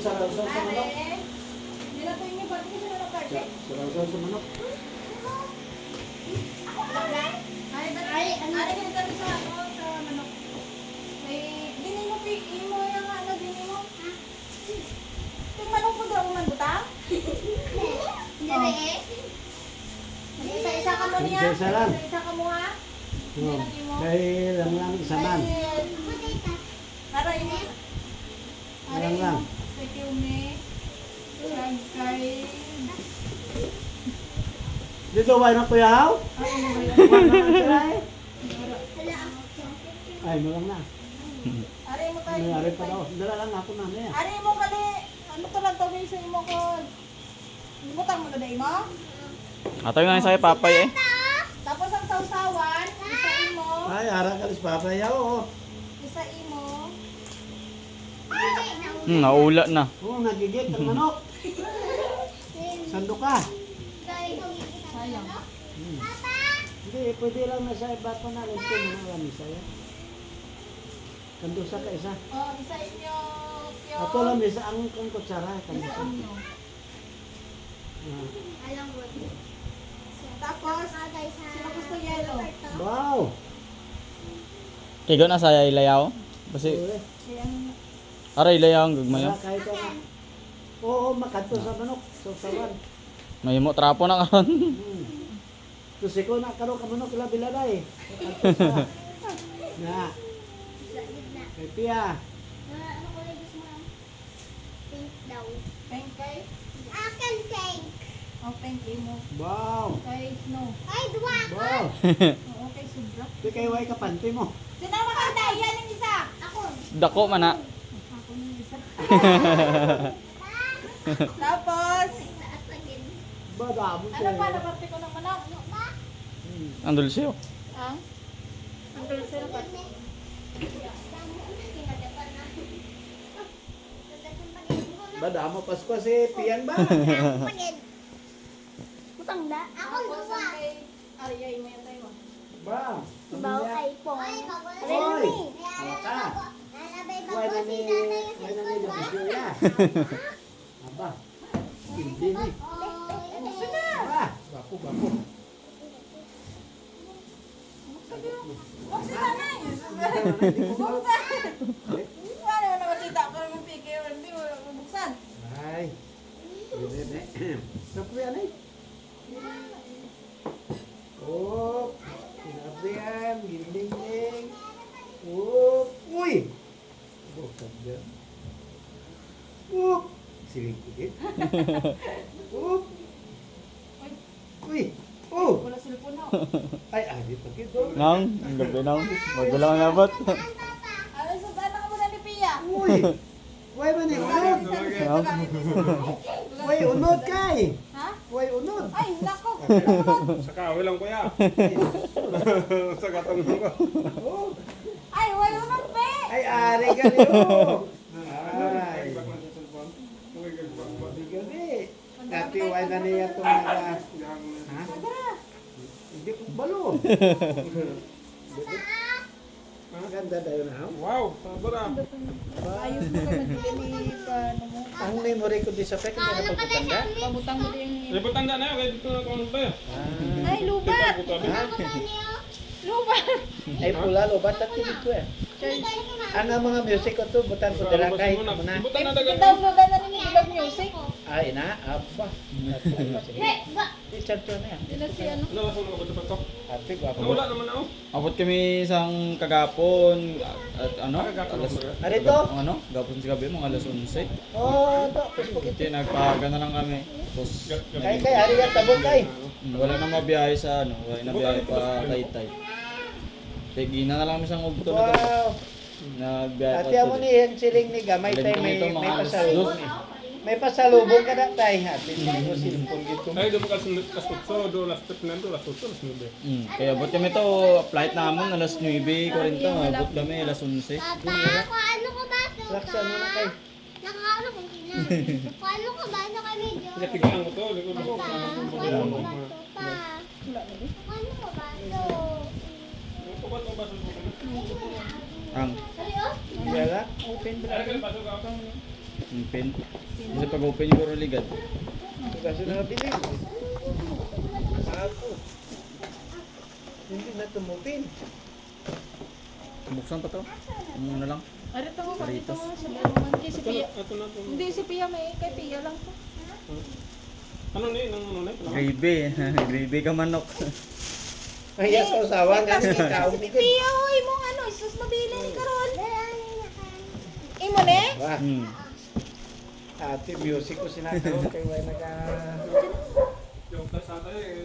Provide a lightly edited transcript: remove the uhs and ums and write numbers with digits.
Saraw-saw sa manok. Nilatoy niyo ba? Hindi sila nakarte. Saraw-saw sa manok. Ay, ano kami sa manok. May, dinin mo, mo yung ano, dinin mo. Yung manok mo daw, uman butang? Hindi eh. Isa-isa ka mo niya. Isa-isa lang. Isa-isa ka mo ha. Kaya lang isa man. Aray mo. Lang lang. Kay Tiume. Kay... Dito ba na kuya haw? Ano ba yan? Ay, mo lang na. Aray mo tayo. Mayari pa daw. Dala lang ako na niya. Aray mo kali. Ano to lang tawin sa imo ko? Butang mo na day mo? Ato yung nga sa'yo, papay eh. Tapos ang sausawan, isa imo. Ay, ara ka lis papaya oo. Isa imo. Naula na. Oo, nagigit ang manok. Sando ka. Sayang. Hindi, pwede lang na sa iba pa na. Ito mo na lang isa yan. Kandusa ka isa. Oh, isa inyo. Pyo. Ato lang isa ang kang kutsara. Isa Kandusa. inyo. Ah. Tapos, sino gusto yelo? Wow! Kigo na saya ilayaw. Kasi, Uli. Ayan. aray ilayaw ang gagmayo. Wala kahit ano. Oo, makanto sa manok. Sausawan. May mo trapo na karon. Kasi ko na karo ka manok ila bilalay. Makanto sa. Na. Kay Pia. Pink kay? Oh, pink imo. Wow! Kay Snow. Wow! Oo, kay Subra. Di kay way kapante mo. Sinama ka na, yan ang isa. Ako. Dako man na. Ako yung isa. Tapos, Ba, damo ano pa, naparte ko ng manok? Ang dulce oh. Ang? Ang dulce na pa. Ba, damo Pasko si Pian ba? Tapos, ang kay Arya, imo yung tayo. Ba? Bawal iPhone. Hoy! Ano ka? Way na ni video ya. Aba. Hindi ni. Ba, bapo. Buksan na na. Buksan. Ano na makita ko ng pike, hindi mo buksan. Ay. Hindi. Sapo yan eh. Oh, sinabihan, ginding-ding. Oh, uy! Bukan dia. Silipin. Uy! Oh! Wala cellphone na. Ay, adit pa kito. Nang, ang gabi nang. Magulang nabot. Ano sa anak mo na ni Pia? Uy! Way man eh, unod! Way, unod kay! Ha? Way, unod! Ay, nako. Sa kahoy lang kuya. Sa katong ko. Oh! Ay, wala naman pe. Ay, ari ka niyo! Ay! Gabi. Dati way na niya itong naga... Ha? Hindi ko balo. Maganda daw na. Wow, sabara. Ayos mo ka nagbili pa mo. Ang memory ko di sa pek, hindi na pagkutanda. Pabutang mo din. Ay, ba't tanda na yun? Kaya dito na kung tayo. Ay, lubat. Lubat. Ay pula lo batat dito eh. Ang mga music ko to butan ko dira kay mo na. Ibutan na dagan. Downloadan na ni Ilog Music. Ay na, aba. Di chat na yan. Sila si ano? Ano, nasa mga bato to? Ate gwapo. Nawala naman ako. Abot kami isang kagapon at ano? Alas, Arito? ano? Gapon sa gabi, mga alas 11. Oh, to Facebook Kasi nagpahaga na lang kami. Tapos, kay ari yan tabog kay. wala nang mabiyahe sa ano, wala nang mabiyahe pa Taytay. Kaya gina na lang kami sa ngugto na to. Wow. Nagbiyahe Ate amo ni yung siling ni gamay tay may pasalubong. May pasalubong ka na tay ate. Mo silpon gito. Ay, doon ka kasutso, doon last trip na doon, last tutso, last nube. Kaya abot kami to, flight namin alas 9:40, abot kami alas 11. Laksa mo na kay. Paano ka ba? Ano kami dyan? Pinapigaan ko to, likod ako. Paano ka ba? Paano ka ba? Ito ba ito ba sa Ang Sorry, oh. Ang bela, open Ay, bra. pasok ako. Yung pin. Kasi pag open yung puro ligad. Kasi nabili. Ako. Hindi na tumupin. Buksan pa to. Ano lang. Arito mo, dito Paritos. mo. Si Roman, kay si Pia. Ito na ito. Hindi, si Pia may, kay Pia lang to. Ano ni? Nang ano ni? Gravy. Gravy ka manok. Ay, yes, usawan. Kasi ikaw. Si Pia, oy, mong ano, isus mabili ni Karol. Imo ne? Wah, Hmm. ate, music ko sinakaroon kay Way naka... Yung sa ata eh.